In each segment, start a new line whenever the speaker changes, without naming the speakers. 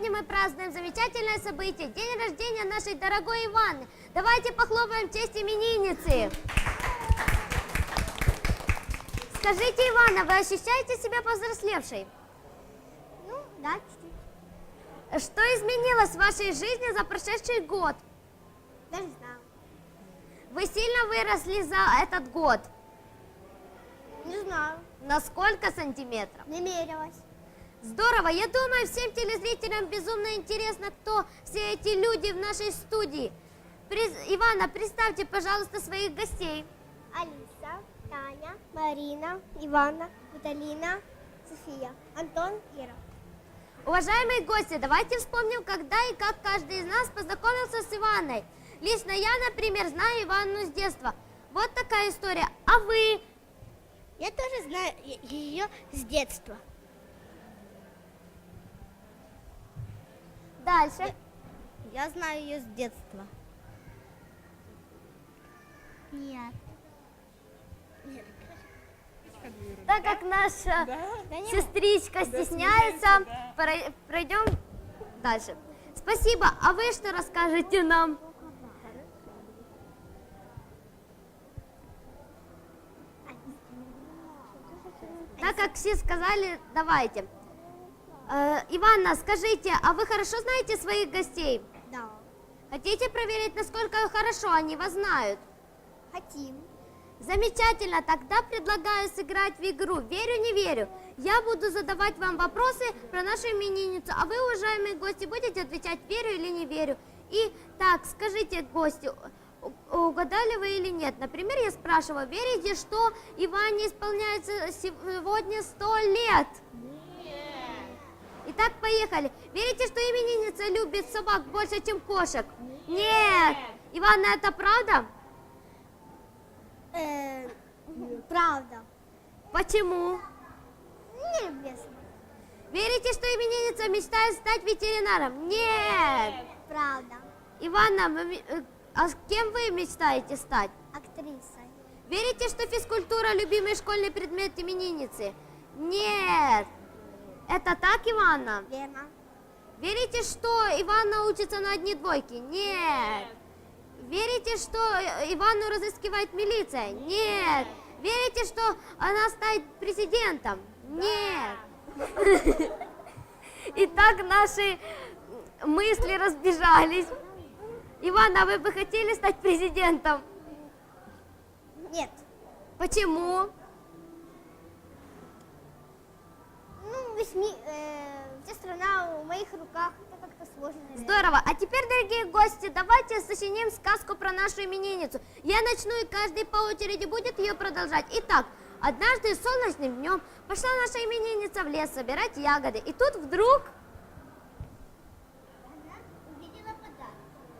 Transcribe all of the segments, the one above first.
сегодня мы празднуем замечательное событие, день рождения нашей дорогой Иваны. Давайте похлопаем в честь именинницы. Скажите, Ивана, вы ощущаете себя повзрослевшей?
Ну, да, чуть-чуть.
Что изменилось в вашей жизни за прошедший год?
Даже знаю.
Вы сильно выросли за этот год?
Не знаю.
На сколько сантиметров?
Не мерилась.
Здорово! Я думаю, всем телезрителям безумно интересно, кто все эти люди в нашей студии. Ивана, представьте, пожалуйста, своих гостей.
Алиса, Таня, Марина, Ивана, Виталина, София, Антон, Ира.
Уважаемые гости, давайте вспомним, когда и как каждый из нас познакомился с Иваной. Лично я, например, знаю Иванну с детства. Вот такая история. А вы?
Я тоже знаю ее с детства.
Дальше.
Я знаю ее с детства. Нет.
Так как наша сестричка стесняется, пройдем дальше. Спасибо. А вы что расскажете нам? Так как все сказали, давайте. Иванна, скажите, а вы хорошо знаете своих гостей?
Да.
Хотите проверить, насколько хорошо они вас знают?
Хотим.
Замечательно, тогда предлагаю сыграть в игру «Верю, не верю». Я буду задавать вам вопросы про нашу именинницу, а вы, уважаемые гости, будете отвечать «Верю или не верю». И так, скажите, гости, угадали вы или нет? Например, я спрашиваю, верите, что Иване исполняется сегодня 100 лет?
Нет.
Итак, поехали. Верите, что именинница любит собак больше, чем кошек? Нет. Иванна, это правда?
Правда.
Почему?
Не люблю собак.
Верите, что именинница мечтает стать ветеринаром? Нет.
Правда.
Иванна, а с кем вы мечтаете стать?
Актрисой.
Верите, что физкультура – любимый школьный предмет именинницы? Нет. Это так, Иванна?
Верно.
Верите, что Иванна учится на одни двойки? Нет. Верите, что Иванну разыскивает милиция? Нет. Верите, что она станет президентом? Нет. Итак, наши мысли разбежались. Иванна, а вы бы хотели стать президентом?
Нет.
Почему?
Ну, вся страна в моих руках. Это как-то сложно. Наверное.
Здорово. А теперь, дорогие гости, давайте сочиним сказку про нашу именинницу. Я начну, и каждый по очереди будет ее продолжать. Итак, однажды солнечным днем пошла наша именинница в лес собирать ягоды. И тут вдруг...
Она увидела подарок.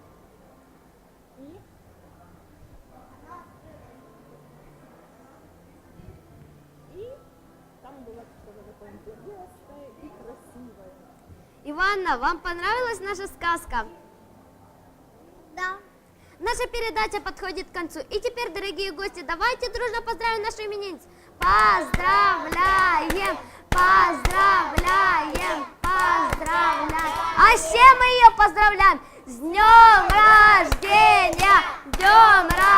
И там было что-то такое интересное и красивое.
Иванна, вам понравилась наша сказка?
Да.
Наша передача подходит к концу. И теперь, дорогие гости, давайте дружно поздравим нашу именинницу. Поздравляем! Поздравляем! Поздравляем! А с чем мы ее поздравляем? С днем рождения! Днем рождения!